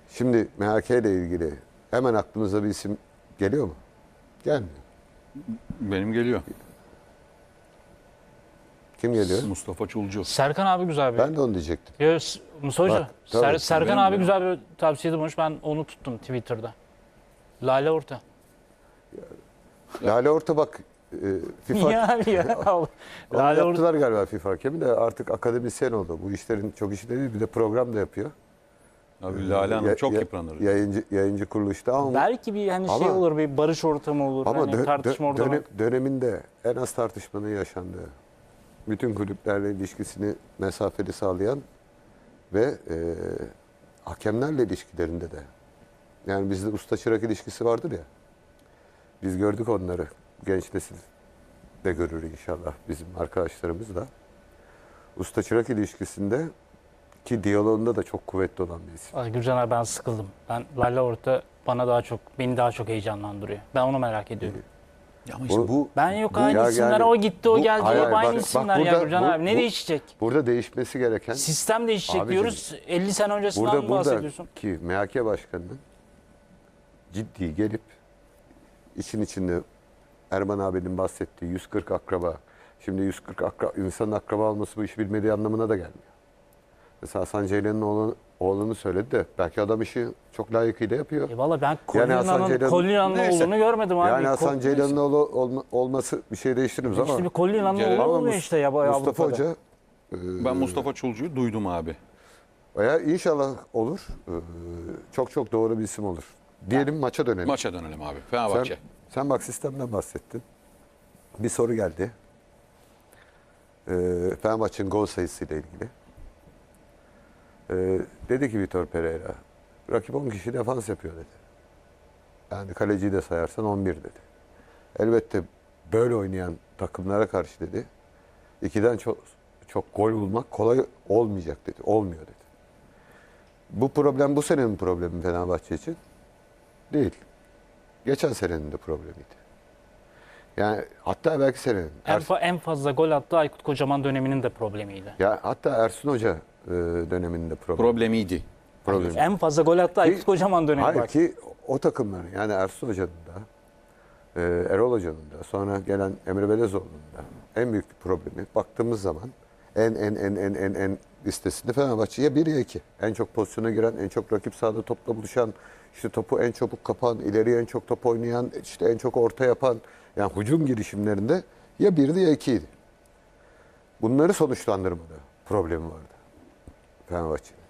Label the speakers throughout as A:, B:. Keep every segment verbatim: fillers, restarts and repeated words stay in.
A: Şimdi M H K ile ilgili hemen aklınıza bir isim geliyor mu? Gelmiyor.
B: Benim geliyor.
A: Kim geliyor?
B: Mustafa Çulcu.
C: Serkan abi güzel bir.
A: Ben de onu diyecektim.
C: Ya, S- Mustafa Hoca,
A: Bak, tabii,
C: Ser-
A: tabii.
C: Serkan
B: Benim
C: abi
B: ya.
C: güzel bir tavsiyede bulmuş. Ben onu tuttum Twitter'da. Lale Orta.
A: Lale Orta bak e, FIFA
C: Ya abi ya.
A: Onu
C: Lale Orta.
A: yaptılar galiba FIFA hakemi de artık akademisyen oldu. Bu işlerin çok işi değil, bir de program da yapıyor.
B: Abi Lale Hanım
A: Ya-
B: çok
A: ya-
B: yıpranır.
A: Yayıncı, yayıncı kuruluşta ama,
C: Belki bir hani şey
A: Ama-
C: olur, bir barış ortamı olur.
A: ama
C: hani
A: dö-
C: tartışma
A: dö-
C: ortamı.
A: dönem- döneminde en az tartışmanın yaşandığı, bütün kulüplerle ilişkisini mesafeli sağlayan ve e, hakemlerle ilişkilerinde de. Yani bizde usta çırak ilişkisi vardır ya. Biz gördük onları. Genç nesil de görür inşallah, bizim arkadaşlarımız da. Usta çırak ilişkisinde ki diyaloğunda da çok kuvvetli olan bir isim.
C: Ay Gürcan abi ben sıkıldım. Ben Lale Orta bana daha çok, beni daha çok heyecanlandırıyor. Ben onu merak ediyorum.
B: Ya ama işte
A: Bu-
B: bu
C: Ben yok
A: Bu-
C: aynı
A: ya
C: isimler,
A: yani-
C: o gitti, o
A: bu-
C: geldi,
A: hayır,
C: hep
A: hayır,
C: aynı
A: bak- bak
C: isimler ya
A: burada-
C: Gürcan
A: bu-
C: abi. Ne
A: bu-
C: değişecek?
A: Burada değişmesi gereken,
C: Sistem değişecek
A: Abicim,
C: diyoruz. elli sene öncesinden
A: burada
C: mi
A: burada
C: bahsediyorsun?
A: ki M H K Başkanı'nın ciddi gelip için içinde Erman abinin bahsettiği yüz kırk akraba, şimdi yüz kırk akra, insanın akraba olması bu işi bilmediği anlamına da gelmiyor. Mesela Hasan Ceylan'ın oğlanı, oğlunu söyledi de belki adam işi çok layıkıyla yapıyor.
C: E valla ben
A: Yani Hasan
C: Kolina'nın
A: Ceylan-
C: Kolina'nın
B: Neyse.
C: oğlunu görmedim abi.
A: Yani Hasan
C: Ko-
A: Ceylan'ın oğlu olma- olması bir şey değiştirmez ama
C: İşte bir Kolina'nın
B: Ceylan-
C: oğlu
A: ama
C: olmuyor
A: Mus-
C: işte ya. bayağı
A: Mustafa
C: Avrupa'da.
A: Hoca e,
B: ben Mustafa Çulcu'yu duydum abi.
A: veya inşallah olur. E, çok çok doğru bir isim olur. Diyelim maça dönelim.
B: Maça dönelim abi.
A: Sen,
B: Fenerbahçe.
A: sen bak sistemden bahsettin. Bir soru geldi. Ee, Fenerbahçe'nin gol sayısıyla ilgili. Ee, dedi ki Vitor Pereira, rakip on kişi defans yapıyor dedi. Yani kaleciyi de sayarsan on bir dedi. Elbette böyle oynayan takımlara karşı dedi, ikiden çok çok gol bulmak kolay olmayacak dedi. Olmuyor dedi. Bu problem bu senenin problemi Fenerbahçe için değil. Geçen senenin de problemiydi. Yani hatta belki senenin.
C: En,
A: Ers-
C: fa- en fazla gol attığı Aykut Kocaman döneminin de problemiydi.
A: ya hatta Ersun Hoca e, döneminde problem.
B: Problemiydi.
A: problem.
C: En fazla gol attığı Aykut Kocaman dönemi
A: Hayır
C: bak.
A: ki o takımların, yani Ersun Hoca'nın da e, Erol Hoca'nın da sonra gelen Emre Belezoğlu'nun da en büyük bir problemi baktığımız zaman en en en en en en listesinde Fenerbahçe ya bir ya iki. En çok pozisyona giren, en çok rakip sahada topla buluşan, işte topu en çabuk kapan, ileriye en çok top oynayan, işte en çok orta yapan, yani hücum girişimlerinde ya birdi ya ikiydi. Bunları sonuçlandırmada problemi vardı Fenerbahçe'nin.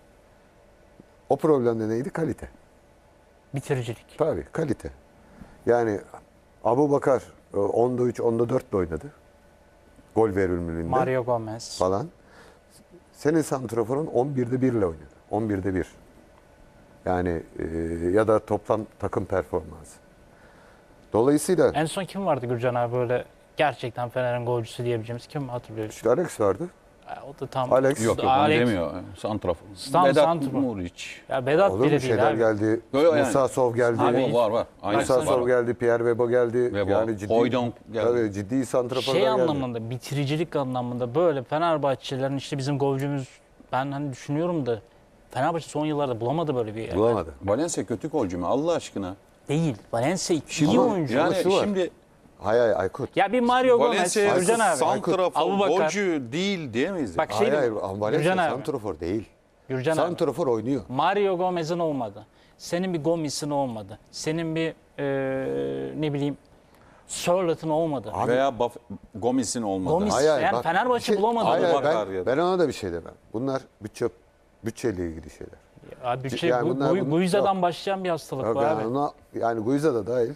A: O problem de neydi? Kalite.
C: Bitiricilik.
A: Tabii kalite. Yani Abu Bakar e, onda üç, onda dört oynadı. Gol verimliliğinde
C: Mario Gomez.
A: falan. Senin santraforun on birde bir ile oynadı. on birde bir. Yani e, ya da toplam takım performansı. Dolayısıyla
C: En son kim vardı Gürcan abi böyle gerçekten Fener'in golcüsü diyebileceğimiz, kim hatırlıyorsun?
A: işte Alex vardı.
C: Ya o da tam
A: Alex.
B: Yok yok onu
C: Alex-
B: demiyor. Santrafor.
C: Tam
B: Vedat
C: santrafor.
B: Muriç.
C: Ya Vedat
A: Olur mu?
C: bile değil
A: Şeyler
C: abi.
A: geldi.
B: Yo, yo,
A: Musa
B: yani.
A: Sov geldi.
B: Abi, var var. Aynen.
A: Musa
B: var,
A: Sov
B: var.
A: geldi. Pierre Webo geldi.
B: Webo,
A: Yani ciddi,
B: Hoydonk geldi.
A: Tabii ciddi santraforlar
C: Şey
A: geldi.
C: anlamında, bitiricilik anlamında böyle Fenerbahçelilerin işte bizim golcümüz, ben hani düşünüyorum da Fenerbahçe son yıllarda bulamadı böyle bir yer.
A: Bulamadı.
B: Valencia kötü golcü mü Allah aşkına?
C: Değil. Valencia iyi
A: Şimdi-
C: oyuncu.
B: Yani
A: şu var.
B: şimdi
A: Hay hay Aykut.
C: Ya bir Mario Gomez,
B: Valencia
C: Gürcan abi.
B: santrafor
C: Abubakar.
B: golcü değil diyemeyiz.
C: Bak
B: Bak,
C: şey
A: Hayır hayır.
C: diyeyim,
A: Ama Valencia
C: Gürcan abi.
A: santrafor değil.
C: Gürcan abi.
A: Santrafor oynuyor.
C: Mario Gomez'in olmadı. Senin bir Gomis'in olmadı. Senin bir eee, ne bileyim Sörlot'un olmadı.
A: Abi-
B: veya Baf- Gomis'in olmadı.
C: Gomis-
A: Hayır, hayır,
C: Yani
A: bak,
C: Fenerbahçe
A: bir şey-
C: bulamadı.
A: Hayır, hayır,
B: Abubakar
A: ben,
B: ya da.
A: ben ona da bir şey demem. Bunlar bütçe bütçeyle ilgili şeyler.
C: Ya bütçe,
A: Yani
C: bu,
A: bunlar-
C: bu,
A: bunlar-
C: Guiza'dan
A: yok.
C: başlayan bir hastalık
A: Yok,
C: bu
A: yani,
C: abi.
A: ona, yani Guiza da dahil.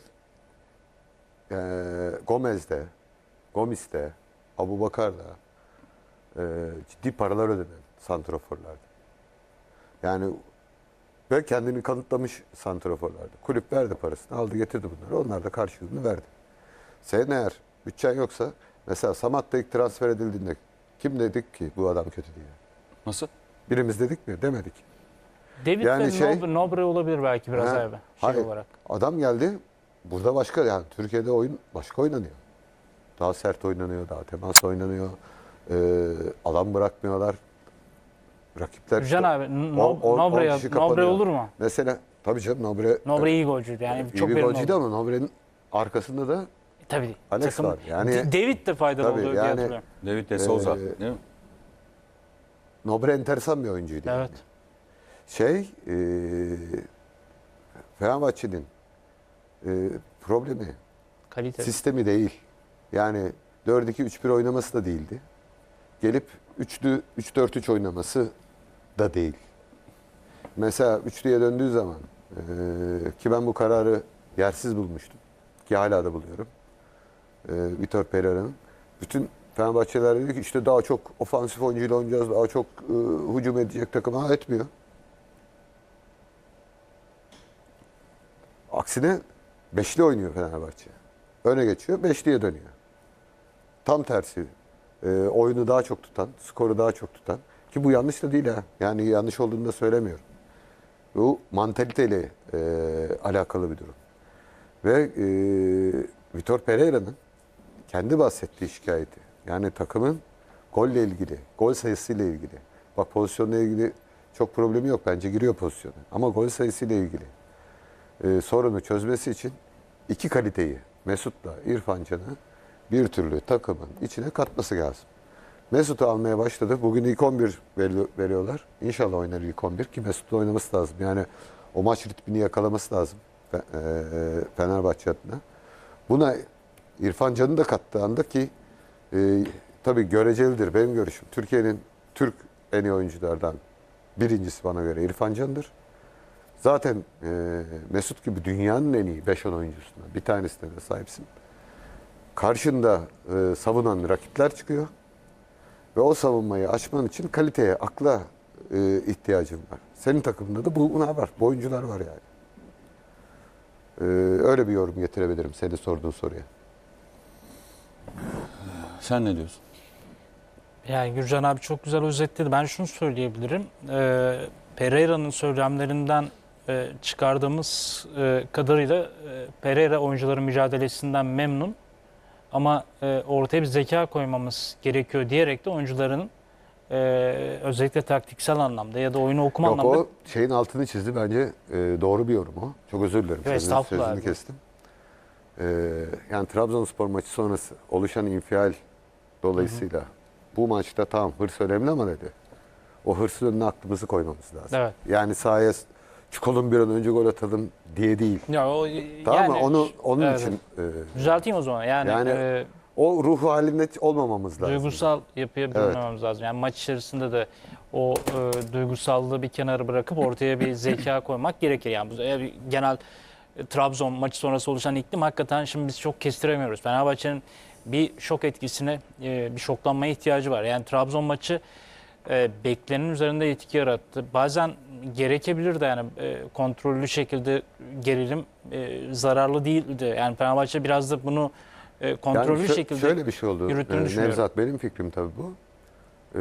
A: Ee, Gomez'de, Gomis'te, Abubakar'da e, ciddi paralar ödenen santraforlardı. Yani ve kendini kanıtlamış santraforlardı. Kulüp verdi parasını, aldı getirdi bunları. Onlar da karşılığını verdi. Senin eğer bütçen yoksa, mesela Samat da ilk transfer edildiğinde kim dedik ki bu adam kötü diye?
B: Nasıl?
A: Birimiz dedik mi? Demedik.
C: David
A: yani
C: ve
A: şey-
C: Nobre, Nobre olabilir belki biraz
A: Ha,
C: abi. Şey
A: hayır.
C: olarak.
A: Adam geldi. Burada başka, yani Türkiye'de oyun başka oynanıyor. Daha sert oynanıyor, daha temas oynanıyor. Ee, alan bırakmıyorlar. rakipler
C: Gürcan
A: işte
C: abi
A: on-
C: no,
A: on- on
C: Nobre,
A: kişi
C: Nobre
A: kapanıyor.
C: olur mu?
A: Mesela tabii canım Nobre,
C: Nobre iyi golcüydü yani.
A: iyi
C: çok
A: bir
C: verimli
A: golcüydü
C: oldu.
A: ama Nobre'nin arkasında da
C: Tabii.
A: Alex
C: takım-
A: var. Yani-
C: D- David de faydalı
A: Tabii,
C: oluyor diye
A: yani-
C: hatırlıyorum.
B: David de Souza.
A: Ee,
B: değil mi?
A: Nobre enteresan bir oyuncuydu.
C: Evet.
A: Yani. Şey, e, Fenerbahçe'nin e, problemi
C: Kalite.
A: sistemi değil. Yani dört iki üç bir oynaması da değildi. Gelip üçlü üç dört üç oynaması da değil. Mesela üçlüye döndüğü zaman e, ki ben bu kararı yersiz bulmuştum. Ki hala da buluyorum. E, Vitor Pereira'nın. Bütün Fenerbahçeliler dedi ki işte daha çok ofansif oyuncuyla oynayacağız. Daha çok e, hücum edecek takım. Ha etmiyor. Aksine beşli oynuyor Fenerbahçe. Öne geçiyor, beşliye dönüyor. Tam tersi. E, oyunu daha çok tutan, skoru daha çok tutan. Ki bu yanlış da değil ha. Yani yanlış olduğunu da söylemiyorum. Bu mantaliteyle e, alakalı bir durum. Ve e, Vitor Pereira'nın kendi bahsettiği şikayeti. Yani takımın golle ilgili, gol sayısıyla ilgili. Bak pozisyonla ilgili çok problemi yok. Bence giriyor pozisyona. Ama gol sayısıyla ilgili e, sorunu çözmesi için iki kaliteyi Mesut'la İrfan Can'ı bir türlü takımın içine katması lazım. Mesut'u almaya başladı. Bugün ilk on bir veri- veriyorlar. İnşallah oynar ilk on bir ki Mesut'la oynaması lazım. Yani o maç ritmini yakalaması lazım Fe- e, Fenerbahçe adına. Buna İrfan Can'ı da kattığı anda ki e, tabii görecelidir benim görüşüm. Türkiye'nin Türk en iyi oyunculardan birincisi bana göre İrfan Can'dır. Zaten e, Mesut gibi dünyanın en iyi beş on oyuncusundan bir tanesine de sahipsin. Karşında e, savunan rakipler çıkıyor. Ve o savunmayı açman için kaliteye, akla e, ihtiyacın var. Senin takımında da bunlar var. Bu oyuncular var yani. E, öyle bir yorum getirebilirim senin sorduğun soruya.
B: Sen ne diyorsun?
C: Yani Gürcan abi çok güzel özetledi. Ben şunu söyleyebilirim. Ee, Pereira'nın söylemlerinden e, çıkardığımız e, kadarıyla e, Pereira oyuncuların mücadelesinden memnun. Ama e, ortaya bir zeka koymamız gerekiyor diyerek de oyuncuların e, özellikle taktiksel anlamda ya da oyunu okuma
A: Yok
C: anlamda
A: o şeyin altını çizdi bence e, doğru bir yorum o. Çok özür dilerim.
C: Evet,
A: Sözünü,
C: estağfurullah
A: sözünü
C: abi.
A: kestim. E, yani Trabzonspor maçı sonrası oluşan infial dolayısıyla bu maçta tamam hırs önemli ama dedi. O hırsın önüne aklımızı koymamız lazım.
C: Evet.
A: Yani sahaya çıkalım bir an önce gol atalım diye değil.
C: ya o,
A: Tamam mı?
C: yani-
A: Onu onun
C: Evet.
A: için e,
C: Düzelteyim o zaman. Yani,
A: Yani
C: e,
A: o ruh halinde olmamamız lazım.
C: duygusal yapıya bürünmememiz lazım. Yani maç içerisinde de o e, duygusallığı bir kenara bırakıp ortaya bir zeka koymak gerekir. Yani bu e, genel e, Trabzon maçı sonrası oluşan iklim hakikaten şimdi biz çok kestiremiyoruz. Fenerbahçe'nin bir şok etkisine, e, bir şoklanmaya ihtiyacı var. Yani Trabzon maçı e, beklenenin üzerinde etki yarattı. Bazen gerekebilir de yani e, kontrollü şekilde gerilim e, zararlı değildi. Yani Fenerbahçe biraz da bunu e, kontrollü
A: Yani şö-
C: şekilde
A: şöyle bir şey oldu.
C: yürüttüğünü
A: Ee,
C: düşünüyorum.
A: Nevzat benim fikrim tabii bu. Ee,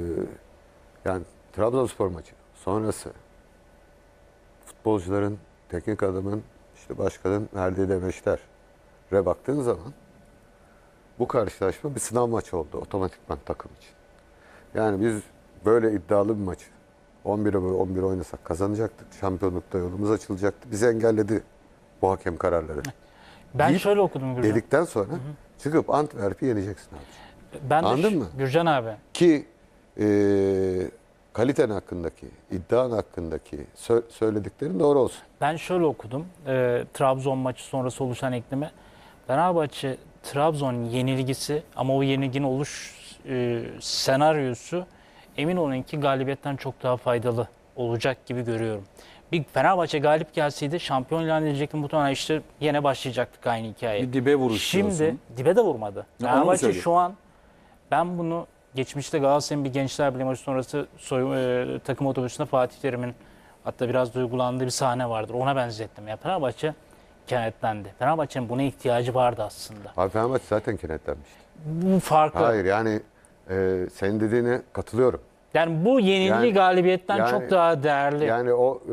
A: yani Trabzonspor maçı sonrası futbolcuların, teknik adamın, işte başkanın verdiği demeçlere baktığın zaman bu karşılaşma bir sınav maçı oldu otomatikman takım için. Yani biz böyle iddialı bir maçı on bire on bir oynasak kazanacaktık. Şampiyonlukta yolumuz açılacaktı. Bizi engelledi bu hakem kararları.
C: Ben
A: deyip
C: şöyle okudum Gürcan.
A: Dedikten sonra çıkıp Antwerp'i yeneceksin abi.
C: Ben de
A: Anladın
C: şu-
A: mı?
C: Gürcan abi.
A: Ki e, kaliten hakkındaki, iddian hakkındaki sö- söylediklerin doğru olsun.
C: Ben şöyle okudum. E, Trabzon maçı sonrası oluşan ekleme. Fenerbahçe Trabzon yenilgisi ama o yenilginin oluş e, senaryosu emin olun ki galibiyetten çok daha faydalı olacak gibi görüyorum. Bir Fenerbahçe galip gelseydi şampiyon ilan edilecekti muhtemelen işte yine başlayacaktık aynı hikaye.
B: Bir dibe vuruş
C: Şimdi
B: diyorsun.
C: dibe de vurmadı.
B: Ya onu
C: Fenerbahçe
B: söyleyeyim.
C: şu an ben bunu geçmişte Galatasaray'ın bir Gençler Birliği maçı sonrası soy, e, takım otobüsünde Fatih Terim'in hatta biraz duygulandığı bir sahne vardır. Ona benzettim. Ya Fenerbahçe kenetlendi. Fenerbahçe'nin buna ihtiyacı vardı aslında.
A: Abi Fenerbahçe zaten kenetlenmişti.
C: Bu farkı.
A: Hayır yani e, senin dediğine katılıyorum.
C: Yani bu yenilgi
A: Yani-
C: galibiyetten
A: yani-
C: çok daha değerli.
A: Yani o e,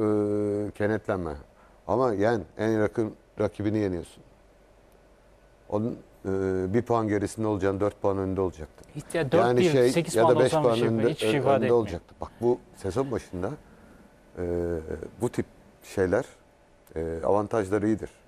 A: kenetlenme. Ama yen en yakın rakibini yeniyorsun. Onun e, bir puan gerisinde olacağını dört puan önünde olacaktı.
C: Ya dört
A: Yani
C: bir,
A: şey
C: sekiz
A: ya
C: puan
A: da beş
C: olsam bir
A: puan
C: şey,
A: önünde,
C: hiçbir şey
A: önünde
C: ifade etmiyor.
A: olacaktı. Bak bu sezon başında e, bu tip şeyler e, avantajları iyidir.